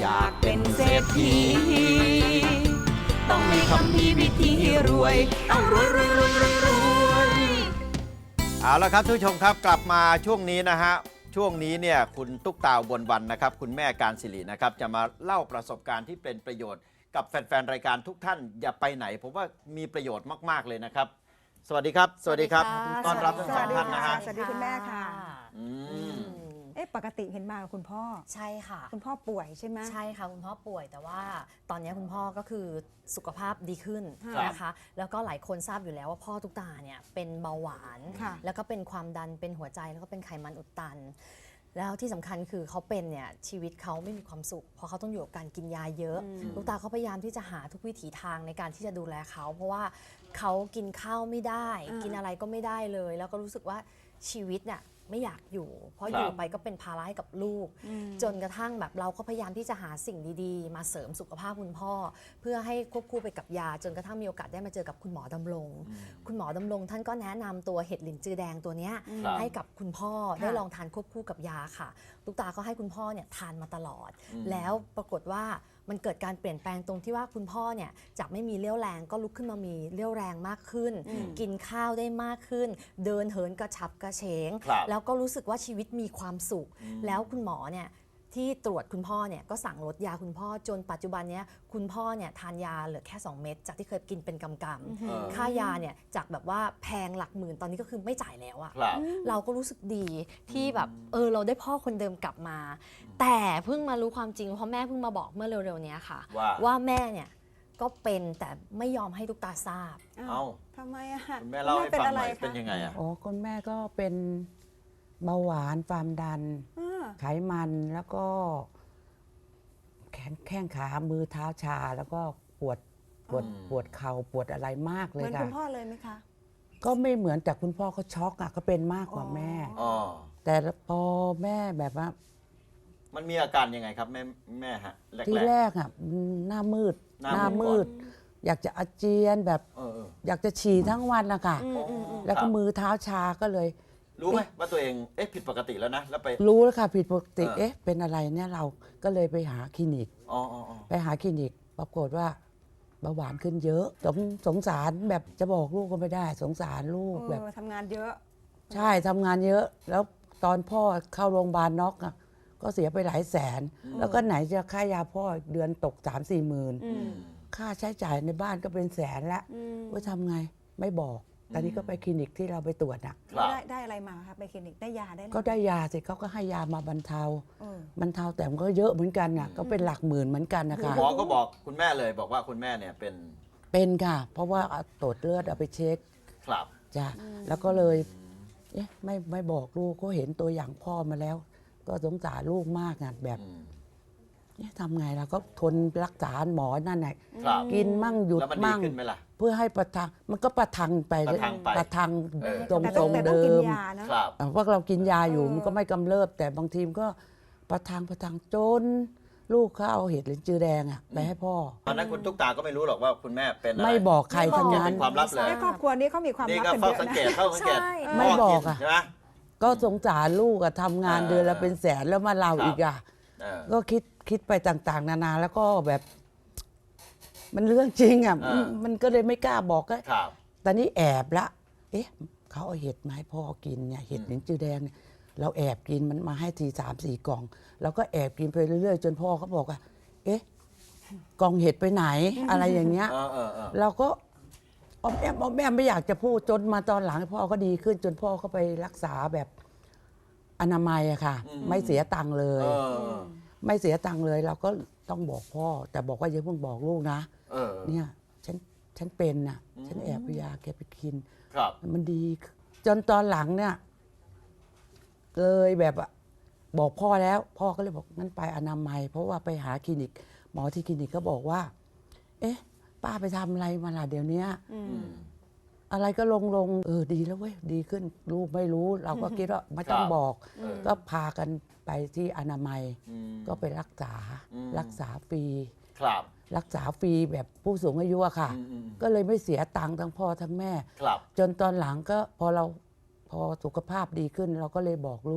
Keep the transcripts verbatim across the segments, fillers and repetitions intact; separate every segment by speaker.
Speaker 1: ากเป็นเศรษฐีต้องมีคำพีวิธีรวยต้องรวยรวยรวยรวยรวย
Speaker 2: เอาละครับทุกผู้ชมครับกลับมาช่วงนี้นะฮะช่วงนี้เนี่ยคุณตุ๊กตาบนวันนะครับคุณแม่การศิรินะครับจะมาเล่าประสบการณ์ที่เป็นประโยชน์กับแฟนๆรายการทุกท่านอย่าไปไหนผมว่ามีประโยชน์มากๆเลยนะครับสวัสดีครับสวัสดีครับต้อนรับทั้งสองท่านนะฮะ
Speaker 3: สวัสดีคุณแม่ค่ะ
Speaker 2: อืม
Speaker 3: เอ๊ะปกติเห็นมากับคุณพ่อ
Speaker 4: ใช่ค่ะ
Speaker 3: คุณพ่อป่วยใช่ไหม
Speaker 4: ใช่ค่ะคุณพ่อป่วยแต่ว่าตอนนี้คุณพ่อก็คือสุขภาพดีขึ้น
Speaker 3: ครับ
Speaker 4: นะคะแล้วก็หลายคนทราบอยู่แล้วว่าพ่อตุ๊กตาเนี่ยเป็นเบาหวาน
Speaker 3: ค่ะ
Speaker 4: แล้วก็เป็นความดันเป็นหัวใจแล้วก็เป็นไขมันอุดตัน แล้วที่สำคัญคือเขาเป็นเนี่ยชีวิตเขาไม่มีความสุขเพราะเขาต้องอยู่กับการกินยาเยอะ
Speaker 3: อืม
Speaker 4: ตุ๊กตาเขาพยายามที่จะหาทุกวิถีทางในการที่จะดูแลเขาเพราะว่าเขากินข้าวไม่ได้ กินอะไรก็ไม่ได้เลย แล้วก็รู้สึกว่าชีวิตเนี่ยไม่อยากอยู่ เพราะ
Speaker 2: ครับ
Speaker 4: อยู่ไปก็เป็นภาระให้กับลูก
Speaker 3: อืม
Speaker 4: จนกระทั่งแบบเราก็พยายามที่จะหาสิ่งดีๆ มาเสริมสุขภาพคุณพ่อ เพื่อให้ควบคู่ไปกับยา จนกระทั่งมีโอกาสได้มาเจอกับคุณหมอดำรง คุณหมอดำรงท่านก็แนะนำตัวเห็ดหลินจือแดงตัวเนี้ย
Speaker 2: ครับ
Speaker 4: ให้กับคุณพ่อ
Speaker 3: ค่ะ
Speaker 4: ได้ลองทานควบคู่กับยาค่ะลูกตาก็ให้คุณพ่อเนี่ยทานมาตลอด
Speaker 2: อืม
Speaker 4: แล้วปรากฏว่ามันเกิดการเปลี่ยนแปลงตรงที่ว่าคุณพ่อเนี่ยจากไม่มีเรี่ยวแรงก็ลุกขึ้นมามีเรี่ยวแรงมากขึ้น
Speaker 3: อืม
Speaker 4: กินข้าวได้มากขึ้น เดินเหินกระฉับกระเฉง
Speaker 2: ครับ
Speaker 4: แล้วก็รู้สึกว่าชีวิตมีความสุข
Speaker 2: อืม
Speaker 4: แล้วคุณหมอเนี่ยที่ตรวจคุณพ่อเนี่ยก็สั่งลดยาคุณพ่อจนปัจจุบันเนี้ยคุณพ่อเนี่ยทานยาเหลือแค่สองเม็ดจากที่เคยกินเป็นกำก
Speaker 2: เออ
Speaker 4: ำค่ายาเนี่ยจากแบบว่าแพงหลักหมื่นตอนนี้ก็คือไม่จ่ายแล้วอะ
Speaker 2: ครับ
Speaker 4: เราก็รู้สึกดีที่แบบเออเราได้พ่อคนเดิมกลับมา แต่เพิ่งมารู้ความจริงเพราะแม่เพิ่งมาบอกเมื่อเร็วๆเนี้ยค่ะ
Speaker 2: ว่า
Speaker 4: ว่าแม่เนี่ยก็เป็นแต่ไม่ยอมให้ทุกตาทราบ
Speaker 2: เอ้า
Speaker 3: ทำไมอะ
Speaker 2: คุณแม่เล่าให้ฟังหน่อย
Speaker 3: คะ
Speaker 2: เป็นยังไงอ่ะ
Speaker 5: อ๋อคุณแม่ก็เป็นเบาหวานความดัน
Speaker 3: อ่า
Speaker 5: ไขมันแล้วก็แขนแข้งขามือเท้าชา แล้วก็ปวดปวด
Speaker 2: อืม
Speaker 5: ปวดเข่าปวดอะไรมาก
Speaker 3: เห
Speaker 5: เล
Speaker 3: มื
Speaker 5: ย
Speaker 3: อน
Speaker 5: ค่ะ
Speaker 3: คุณพ่อเลยไหมคะ
Speaker 5: ก็ไม่เหมือนแต่คุณพ่อเขาช็อกอ่ะก็เป็นมากกว่า
Speaker 3: อ๋อ
Speaker 5: แม่
Speaker 2: อ๋อ
Speaker 5: แต่พอแม่แบบว่า
Speaker 2: มันมีอาการยังไงครับแม่แม่ฮะแรก
Speaker 5: ที่
Speaker 2: ๆ
Speaker 5: แรกอ่ะหน้ามืด
Speaker 2: หน้ามืด
Speaker 5: ด อยากจะอาเจียนแบบ
Speaker 2: เออเออ
Speaker 5: อยากจะฉี่ทั้งวันนะคะ
Speaker 3: อืมอืมอืม
Speaker 5: แล้ว
Speaker 2: ค
Speaker 5: ก็
Speaker 2: รับ
Speaker 5: มือเท้าชาก็เลย
Speaker 2: รู้ไหมว่าตัวเองเอ๊ะผิดปกติแล้วนะแล้วไป
Speaker 5: รู้แล้วค่ะผิดปกติ
Speaker 2: เออ
Speaker 5: เอ๊ะเป็นอะไรเนี่ยเราก็เลยไปหาคลินิก
Speaker 2: อ๋ออ๋ออ๋อ
Speaker 5: ไปหาคลินิกปรากฏว่าเบาหวานขึ้นเยอะสงสงสารแบบจะบอกลูกก็ไม่ได้ สงสารลูก
Speaker 3: เออ
Speaker 5: แบบ
Speaker 3: ทำงานเยอะ
Speaker 5: ใช่ทำงานเยอะ แล้วตอนพ่อเข้าโรงพยาบาลน็อกอะก็เสียไปหลายแสน แล้วก็ไหนจะค่ายาพ่อเดือนตกสามสี่หมื่น
Speaker 3: อืม
Speaker 5: ค่าใช้จ่ายในบ้านก็เป็นแสนละ
Speaker 3: อืม
Speaker 5: ว่าทำไงไม่บอกตอนนี้ก็ไปคลินิกที่เราไปตรวจอ่ะ
Speaker 2: ครับ
Speaker 3: ได้ได้อะไรมาคะไปคลินิกได้ยาได้อะไร
Speaker 5: ก็ได้ยาสิเขาก็ให้ยามาบรรเทา
Speaker 3: เออบ
Speaker 5: รรเทาแต่มันก็เยอะเหมือนกันน่ะก็เป็นหลักหมื่นเหมือนกันนะคะ
Speaker 2: หมอก็บอกคุณแม่เลยบอกว่าคุณแม่เนี่ยเป็น
Speaker 5: เป็นค่ะ เพราะว่าเอาตรวจเลือดเอาไปเช็ค
Speaker 2: ครับ
Speaker 5: จ้ะแล้วก็เลยเอ๊ะไม่ไม่บอกลูกก็เห็นตัวอย่างพ่อมาแล้ว ก็สงสารลูกมากอ่ะแบบ
Speaker 2: อืม
Speaker 5: เอ๊ะทำไงเราก็ทนรักษาหมอนั่นแหละ
Speaker 2: ครับ
Speaker 5: กินมั่งหยุด
Speaker 2: แล้วมันดี
Speaker 5: มั่ง
Speaker 2: ขึ้นไหมล่ะ
Speaker 5: เพื่อให้ประทังมันก็ประทังไป
Speaker 2: ประทังไป
Speaker 5: ประทัง
Speaker 2: เออ
Speaker 5: ตรง
Speaker 3: แต่
Speaker 5: ท
Speaker 3: ต้
Speaker 5: ร
Speaker 3: อง
Speaker 5: ง
Speaker 3: แต่ต้อง
Speaker 5: เดิ
Speaker 3: กิน
Speaker 5: ม
Speaker 3: ยาเนอะ
Speaker 2: ครับ
Speaker 5: อ่ะพวกเรากินยาอยู่
Speaker 3: เออ
Speaker 5: มันก็ไม่กำเริบ แต่บางทีมนก็ประทังประทังจนลูกเขาเอาเห็ดหลินจือแดงอ่ะไปให้พ่อ
Speaker 2: ตอนนั้นคุณตุ๊กตาก็ไม่รู้หรอกว่าคุณแม่เป็นอะไร
Speaker 5: ไม่บอกใครทั้ง
Speaker 2: เก็บ
Speaker 5: นั้
Speaker 2: เป็น นความลับเลย
Speaker 3: ในครอบครัวนี้เขามีความ
Speaker 2: นี่
Speaker 3: ลับ
Speaker 2: ก็
Speaker 3: กันเยอะนะ
Speaker 2: เฝ้าสังเกตเฝ้าสังเกต
Speaker 4: ใช่
Speaker 5: ไม่บอกอะ
Speaker 2: ใช่ไหม
Speaker 5: ก็สงสารลูกอะทำงาน
Speaker 2: เออ
Speaker 5: เดือนละเป็นแสนแล้วมาเรา
Speaker 2: ครับ
Speaker 5: อีกอะ
Speaker 2: เออ
Speaker 5: ก็คิดคิดไปต่างๆ นานาแล้วก็แบบ มันเรื่องจริงอ่ะ
Speaker 2: เออ
Speaker 5: มันก็เลยไม่กล้าบอกก็
Speaker 2: ครับ
Speaker 5: ตอนนี้แอบละ เอ๊ะ เขาเอาเห็ดมาให้พ่อกินเนี่ย เห็ด
Speaker 2: อืม
Speaker 5: หลินจือแดงเนี่ย เราแอบกินมันมาให้ทีสามสี่กล่อง เราก็แอบกินไปเรื่อยๆ จนพ่อเขาบอกว่า เอ๊ะ กล่องเห็ดไปไหน อะไรอย่างเงี้ย
Speaker 2: เออเออเออ
Speaker 5: เราก็ออมแอมออมแอมไม่อยากจะพูดจนมาตอนหลังพ่อก็ดีขึ้น จนพ่อเขาไปรักษาแบบอนามัยอะค่ะ ไม่เสียตังค์เล
Speaker 2: เอย อ
Speaker 5: ไม่เสียตังค์เลย เราก็ต้องบอกพ่อ แต่บอกว่าอย่าเพิ่งบอกลูกนะ
Speaker 2: เออ
Speaker 5: เนี่ยฉันฉันเป็นน่ะ
Speaker 2: อืม
Speaker 5: ฉันแอบเอายาแกไปกิน
Speaker 2: ครับ
Speaker 5: มันดี จนตอนหลังเนี่ยเลยแบบอะบอกพ่อแล้ว พ่อก็เลยบอกงั้นไปอนามัย เพราะว่าไปหาคลินิก หมอที่คลินิกก็บอกว่า เอ๊ะ ป้าไปทำอะไรมาล่ะเดี๋ยวเนี้ย
Speaker 3: อืม
Speaker 2: อืม
Speaker 5: อะไรก็ลงลงเออดีแล้วเว้ยดีขึ้นลูกไม่รู้ เราก็คิดว่าไม่ต้อง
Speaker 2: ครับ
Speaker 5: บอก
Speaker 2: เออ
Speaker 5: ก็พากันไปที่อนามัย
Speaker 2: อืม
Speaker 5: ก็ไปรักษา
Speaker 2: อืม
Speaker 5: รักษาฟรี
Speaker 2: ครับ
Speaker 5: รักษาฟรีแบบผู้สูงอายุอะค่ะ
Speaker 2: อืมอืม
Speaker 5: ก็เลยไม่เสียตังค์ทั้งพ่อทั้งแม่
Speaker 2: ครับ
Speaker 5: จนตอนหลังก็พอเราพอสุขภาพดีขึ้น เราก็เลยบอกลูก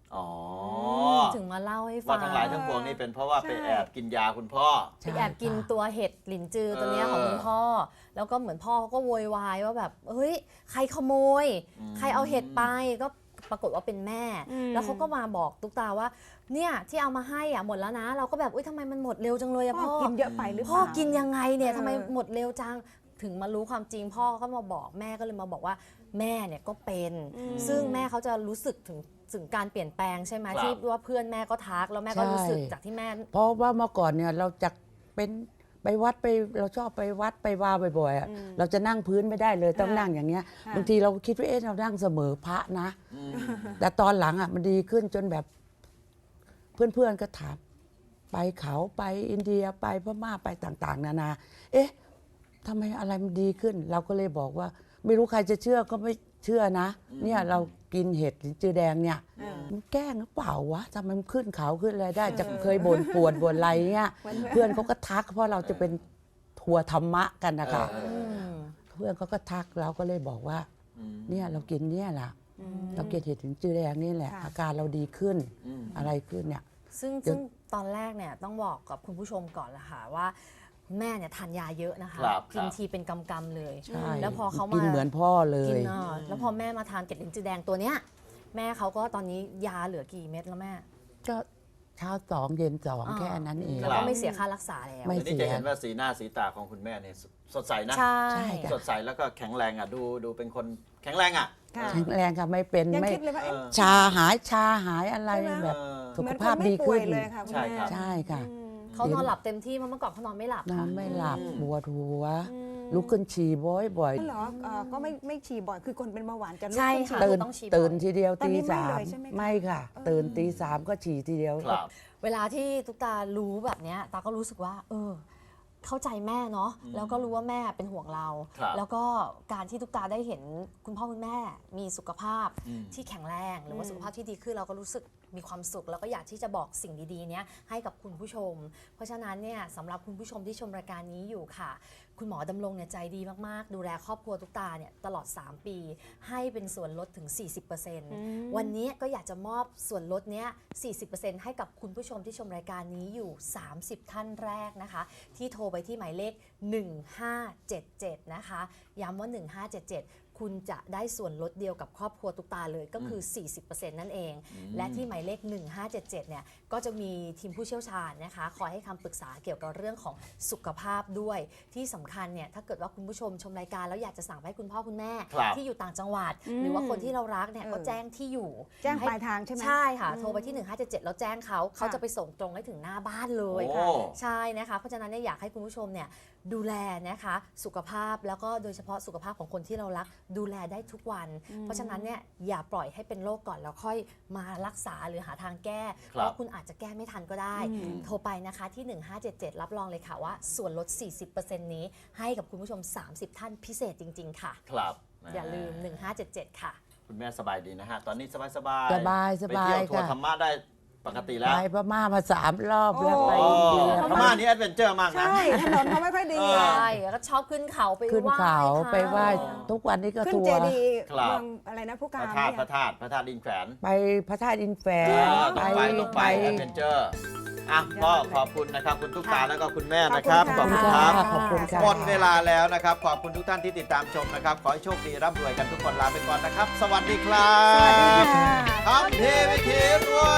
Speaker 2: อ๋อ
Speaker 4: ถึงมาเล่าให้ฟั
Speaker 2: ว่าง ทั้งหลายทั้งปวงนี่เป็นเพราะว่าไป
Speaker 3: ใช่
Speaker 2: แอบกินยาคุณพ่อ
Speaker 4: ไปแอบกินตัวเห็ดหลินจือตัวเนี้ยของคุณพ่อ แล้วก็เหมือนพ่อเขาก็โวยวายว่าแบบเฮ้ยใครขโมย
Speaker 2: อืม
Speaker 4: ใครเอาเห็ดไปก็ปรากฏว่าเป็นแม่
Speaker 3: อืม
Speaker 4: แล้วเขาก็มาบอกตุ๊กตาว่าเนี่ยที่เอามาให้อ่ะหมดแล้วนะ เราก็แบบอุ้ยทำไมมันหมดเร็วจังเลยอะ
Speaker 3: พ่อ
Speaker 4: พ่อ
Speaker 3: กินเยอะไปหรือเป
Speaker 4: พ่อ
Speaker 3: ล่า
Speaker 4: กินยังไงเนี่ย
Speaker 3: เออ
Speaker 4: ทำไมหมดเร็วจังถึงมารู้ความจริงพ่อก็มาบอกแม่ก็เลยมาบอกว่าแม่เนี่ยก็เป็น ซึ่งแม่เขาจะรู้สึกถึงถึงการเปลี่ยนแปลงใช่ไหม
Speaker 2: ครับ
Speaker 4: ที่ว่าเพื่อนแม่ก็ทักแล้วแม่ก็รู้สึก
Speaker 5: ใช่
Speaker 4: จากที่แม่
Speaker 5: เพราะว่าเมื่อก่อนเนี่ยเราจะเป็นไปวัดไปเราชอบไปวัดไปว่าบ่อยๆอะ
Speaker 3: อืม
Speaker 5: เราจะนั่งพื้นไม่ได้เลยต้อง
Speaker 3: ค่ะ
Speaker 5: นั่งอย่างเงี้ย
Speaker 3: ค่ะ
Speaker 5: บางทีเราคิดว่าเอ๊ะเรานั่งเสมอพระนะ
Speaker 2: อืม
Speaker 5: แต่ตอนหลังอ่ะมันดีขึ้นจนแบบ เพื่อนๆก็ถามไปเขาไปอินเดียไปพม่าไปต่างๆ นานา เอ๊ะทำไมอะไรมันดีขึ้น เราก็เลยบอกว่า ไม่รู้ใครจะเชื่อก็ไม่เชื่อนะ เนี่ยเรากินเห็ดลิ้นจือแดงเนี่ย
Speaker 3: เออ
Speaker 5: มันแกล้งหรือเปล่าวะทำไมมันขึ้นเขาขึ้นอะไรได้ จะเคยบ่นปวดบ่นอะไรเงี้ย
Speaker 3: เหมือน
Speaker 5: เพื่อนเขาก็ทักเพราะเราจะเป็นทัวร์ธรรมะกันนะคะ
Speaker 2: เออ
Speaker 4: อืม
Speaker 5: เพื่อนเขาก็ทักเราก็เลยบอกว่า
Speaker 2: อืม
Speaker 5: เนี่ยเรากินเนี่ยแหละเรากินเห็ดลิ้นจือแดงนี่แหละ
Speaker 3: ค่ะ
Speaker 5: อาการเราดีขึ้น
Speaker 2: อืม
Speaker 5: อะไรขึ้นเนี่ย
Speaker 4: ซึ่ง
Speaker 5: เดี๋ยว
Speaker 4: ซึ่งตอนแรกเนี่ยต้องบอกกับคุณผู้ชมก่อนละค่ะว่าคุณแม่เนี่ยทานยาเยอะนะคะ
Speaker 2: ครับ
Speaker 4: กิน
Speaker 2: ครับ
Speaker 4: ทีเป็นกำกำๆเลย
Speaker 5: ใช่
Speaker 4: แล้วพอเขามา
Speaker 5: กินเหมือนพ่อเล
Speaker 4: กิ
Speaker 5: ย
Speaker 4: นอ่ะแล้วพอแม่มาทานเกล็ดลิ้นจือแดงตัวเนี้ยแม่เขาก็ตอนนี้ยาเหลือกี่เม็ดแล้วแม่
Speaker 5: ก็เช้าสองเย็นสอง
Speaker 4: อ่า
Speaker 5: แค่นั้นเอง
Speaker 4: แล้วก็ไม่เสียค่ารักษาแล้ว
Speaker 5: ไม่
Speaker 2: เดี๋ยวนี้จะเห็นว่าสีหน้าสีตาของคุณแม่เนี่ยสดใสนะ
Speaker 4: ใช่
Speaker 5: ใช่ค่ะ
Speaker 2: สดใสแล้วก็แข็งแรงอ่ะดูดูเป็นคนแข็งแรงอ่ะ
Speaker 3: ค่ะ
Speaker 5: แข็งแรงค่ะไม่เป็น
Speaker 3: ยัง
Speaker 5: ไม่
Speaker 3: คิดเลยว่าเอ๊ะ
Speaker 5: ชาหายชาหายอะไร
Speaker 3: ใช่ไหม
Speaker 5: แบบ
Speaker 2: เออ
Speaker 5: สุ
Speaker 3: เหมื
Speaker 5: ข
Speaker 3: อนค
Speaker 5: ภาพ
Speaker 3: นไม่
Speaker 5: ดี
Speaker 3: ป่ว
Speaker 5: ขึ้
Speaker 3: ย
Speaker 5: น
Speaker 3: เลยค่ะคุณ
Speaker 2: ใช่
Speaker 3: แม่
Speaker 2: ครับ
Speaker 5: ใช่ค่ะ
Speaker 3: อืม
Speaker 4: เขานอนหลับเต็มที่เพราะเมื่อก่อนเขานอนไม่หลับ
Speaker 5: นอ
Speaker 4: ค่ะ
Speaker 5: นไม่หลับ
Speaker 2: อืม
Speaker 5: ปวดหัว
Speaker 3: อืม
Speaker 5: ลุกขึ้นฉี่บ่อยบ่อย
Speaker 3: เหรอเอ่อก็ไม่ไม่ฉี่บ่อยคือคนเป็นเบาหวานจะลุก
Speaker 4: ใช่
Speaker 3: ขึ้น
Speaker 4: ค่ะ
Speaker 3: ฉี่
Speaker 5: ตื่น
Speaker 4: ต้องฉี่บ่อย
Speaker 5: ตื่นทีเดียว
Speaker 3: ตอน
Speaker 5: ตี
Speaker 3: นี้ไม่
Speaker 5: สาม
Speaker 3: เลยใช่ไหมคะ
Speaker 5: ไม่ค่ะ
Speaker 3: เออ
Speaker 5: ตื่นตีสามก็ฉี่ทีเดียว
Speaker 2: ครับ
Speaker 4: เวลาที่ตุ๊กตารู้แบบเนี้ยตาก็รู้สึกว่า เออ เข้าใจแม่เนาะ
Speaker 2: อืม
Speaker 4: แล้วก็รู้ว่าแม่เป็นห่วงเรา
Speaker 2: ครับ
Speaker 4: แล้วก็การที่ตุ๊กตาได้เห็นคุณพ่อคุณแม่มีสุขภาพ
Speaker 2: อืม
Speaker 4: ที่แข็งแรง หรือว่า
Speaker 3: อืม
Speaker 4: สุขภาพที่ดีขึ้นเราก็รู้สึกมีความสุข แล้วก็อยากที่จะบอกสิ่งดีๆเนี้ยให้กับคุณผู้ชม เพราะฉะนั้นเนี่ยสำหรับคุณผู้ชมที่ชมรายการนี้อยู่ค่ะ คุณหมอดำรงเนี่ยใจดีมากๆ ดูแลครอบครัวตุ๊กตาเนี่ยตลอด สาม ปี ให้เป็นส่วนลดถึง สี่สิบเปอร์เซ็นต์
Speaker 3: ม
Speaker 4: วันนี้ก็อยากจะมอบส่วนลดเนี้ย สี่สิบเปอร์เซ็นต์ ให้กับคุณผู้ชมที่ชมรายการนี้อยู่ สามสิบ ท่านแรกนะคะ ที่โทรไปที่หมายเลข หนึ่งห้าเจ็ดเจ็ด นะคะ ย้ำว่า หนึ่งห้าเจ็ดเจ็ด คุณจะได้ส่วนลดเดียวกับครอบครัวตุ๊กตาเลยก็คือ สี่สิบเปอร์เซ็นต์ นั่นเอง และที่หมายเลข หนึ่งห้าเจ็ดเจ็ด เนี่ย ก็จะมีทีมผู้เชี่ยวชาญนะคะ คอยให้คำปรึกษาเกี่ยวกับเรื่องของสุขภาพด้วย ที่สำคัญเนี่ย ถ้าเกิดว่าคุณผู้ชมชมรายการแล้วอยากจะสั่งไปให้คุณพ่อคุณแม่
Speaker 2: ครับ
Speaker 4: ที่อยู่ต่างจังหวัด
Speaker 3: อืม
Speaker 4: หรือว่าคนที่เรารักเนี่ย
Speaker 3: เออ
Speaker 4: ก็แจ้งที่อยู่
Speaker 3: แจ้ง
Speaker 4: ให้
Speaker 3: ปลายทางใช่ไหม
Speaker 4: ใช่ค่ะ โทรไปที่ หนึ่งห้าเจ็ดเจ็ด แล้วแจ้งเขาเขา
Speaker 3: ค่ะ
Speaker 4: จะไปส่งตรงให้ถึงหน้าบ้านเลย
Speaker 2: โอ้
Speaker 4: ค่ะใช่นะคะ เพราะฉะนั้นเนี่ยอยากให้คุณผู้ชมเนี่ยดูแลนะคะสุขภาพแล้วก็โดยเฉพาะสุขภาพของคนที่เรารักดูแลได้ทุกวัน เพราะฉะนั้นเนี่ยอย่าปล่อยให้เป็นโรคก่อนแล้วค่อยมารักษาหรือหาทางแก้ เพราะคุณอาจจะแก้ไม่ทันก็ได้
Speaker 3: อืม
Speaker 4: โทรไปนะคะที่ หนึ่งห้าเจ็ดเจ็ด รับรองเลยค่ะว่าส่วนลด สี่สิบเปอร์เซ็นต์ นี้ให้กับคุณผู้ชม สามสิบ ท่านพิเศษจริง ๆ ค่ะ
Speaker 2: ครับ
Speaker 4: อย่าลืม หนึ่งห้าเจ็ดเจ็ด ค่ะ
Speaker 2: คุณแม่สบายดีนะฮะ ตอนนี้สบายสบาย
Speaker 5: สบายสบาย
Speaker 2: ไปเที่ยวทัวร์
Speaker 5: ค่ะ
Speaker 2: ธรรมะได้ปกติแล้ว
Speaker 5: ไปพม่ามาสามรอบแล้ว
Speaker 3: โอ้
Speaker 5: ไป
Speaker 2: โอ้
Speaker 5: อินเดีย
Speaker 2: พม่านี่แอดเวนเจอร์มากนะ
Speaker 3: ใช่ถนนเขาไม่ค่อยดี
Speaker 2: เออ
Speaker 3: อะ
Speaker 4: ใช่แล้วก็ชอบขึ้นเขาไป
Speaker 5: ขึ้น
Speaker 4: ไหว้
Speaker 5: เขา
Speaker 4: ค่ะ
Speaker 5: ไปไหว้ทุกวันนี้ก็
Speaker 3: ขึ้น
Speaker 5: ทัว
Speaker 3: เจ
Speaker 5: ร์
Speaker 3: ดีย์
Speaker 2: ครับ
Speaker 3: เมืองอะไรนะผู้
Speaker 2: พ
Speaker 3: การ
Speaker 2: ระธาตุ
Speaker 3: เนี่ย
Speaker 2: พระธาตุพระธาตุดินแขวน
Speaker 5: ไปพระธาตุอินแฝ
Speaker 2: เออ
Speaker 5: ไป
Speaker 2: ต้องไปต้องไปแอดเวนเจอร์อ่ะก็ขอบคุณนะครับคุณตุ๊กตาแล้วก็คุณแม่
Speaker 3: ขอบ
Speaker 2: นะ
Speaker 3: คุ
Speaker 2: ครับ
Speaker 3: ณ
Speaker 2: ขอบคุณ
Speaker 3: ค่ะ
Speaker 2: ครับ
Speaker 5: ขอบคุณค่ะ
Speaker 2: หมดเวลาแล้วนะครับ ขอบคุณทุกท่านที่ติดตามชมนะครับ ขอให้โชคดีร่ำรวยกันทุกคนลาไปก่อนนะครับ สวัสดีครับ
Speaker 3: สวัสดีค่ะ
Speaker 2: ทำทีวิธีรวย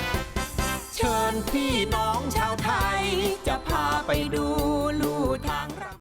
Speaker 1: เชิญพี่น้องชาวไทย จะพาไปดูลู่ทาง